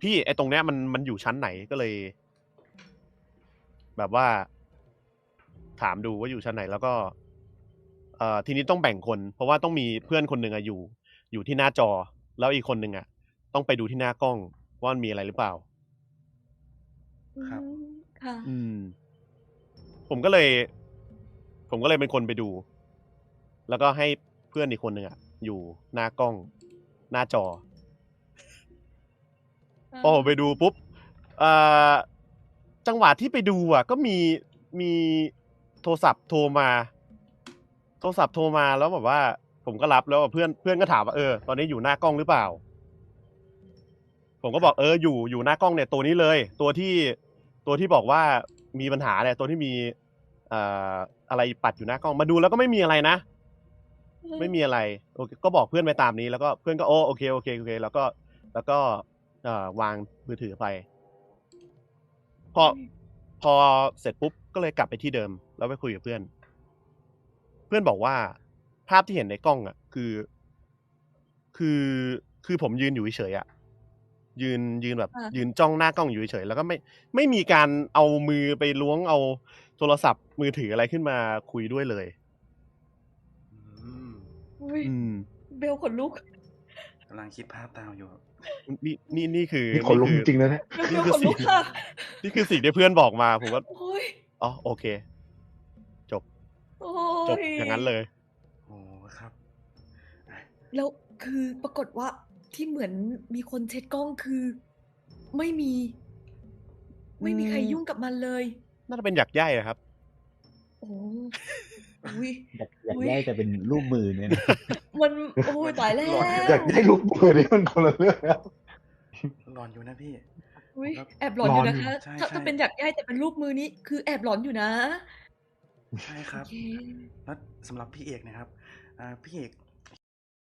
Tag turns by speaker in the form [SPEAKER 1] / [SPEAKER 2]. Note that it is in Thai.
[SPEAKER 1] พี่ไอ้ตรงเนี้ยมันอยู่ชั้นไหนก็เลย แบบว่า ถามดูว่าอยู่ชั้นไหนแล้วก็ทีนี้ต้องแบ่งคน เพราะว่าต้องมีเพื่อนคนหนึ่งอยู่ที่หน้าจอ แล้วอีกคนหนึ่งต้องไปดูที่หน้ากล้องว่ามันมีอะไรหรือเปล่า
[SPEAKER 2] ครับ
[SPEAKER 3] ค่ะ
[SPEAKER 1] ผมก็เลย เป็นคนไปดู แล้วก็ให้เพื่อนอีกคนหนึ่งอยู่หน้ากล้อง หน้าจอ พอผมไปดูปุ๊บจังหวะที่ไปดูก็มีโทรศัพท์โทรมาแล้วแบบว่า ผมก็รับแล้วเพื่อนก็ถามว่าตอนนี้อยู่หน้ากล้องหรือเปล่า ผมก็บอกอยู่หน้ากล้องเนี่ยตัวนี้เลย ตัวที่บอกว่ามีปัญหาเนี่ยตัวที่มีอะไรปัดอยู่หน้ากล้องมาดูแล้วก็ไม่มีอะไรนะ ไม่มีอะไรโอเคก็บอกเพื่อนไปตามนี้แล้วก็เพื่อนก็โอเคแล้วก็วางมือถือไปพอเสร็จปุ๊บก็เลยกลับไปที่เดิมแล้วไปคุยกับเพื่อนบอกว่าภาพที่เห็นในกล้องคือผมยืนอยู่เฉยยืนแบบยืนจ้องหน้ากล้องอยู่เฉยแล้วก็ไม่มีการเอามือไปล้วงเอาโทรศัพท์มือถืออะไรขึ้นมาคุยด้วยเลย
[SPEAKER 3] เบลขนลุก
[SPEAKER 2] กำลังคิดภาพตามอยู่
[SPEAKER 1] นี่คือ
[SPEAKER 4] ขนลุกจริงๆนะเนี่ย
[SPEAKER 3] เบลขนลุกค่ะ
[SPEAKER 1] นี่คือสิ่งที่เพื่อนบอกมาผมก็โอเคจบอย่างนั้นเลย
[SPEAKER 2] โอ้ครับ
[SPEAKER 3] แล้วคือปรากฏว่าที่เหมือนมีคนเช็ดกล้องคือไม่มีใครยุ่งกับมันเลย
[SPEAKER 1] น่าจะเป็นหยักใย่ครับ
[SPEAKER 3] โอ้
[SPEAKER 4] อยากได้จะเป็นรูปมือเนี่ย
[SPEAKER 3] มันตายแล้ว
[SPEAKER 4] อยากได้รูปมือนี่มันคนละเรื่องแล้ว
[SPEAKER 2] หลอนอยู่นะพี่
[SPEAKER 3] แอบหลอนอยู่นะคะถ้าเป็นหยักใย่แต่เป็นรูปมือนี้คือแอบหลอนอยู่นะ
[SPEAKER 2] ใช่ครับแล้วสำหรับพี่เอกนะครับพี่เอก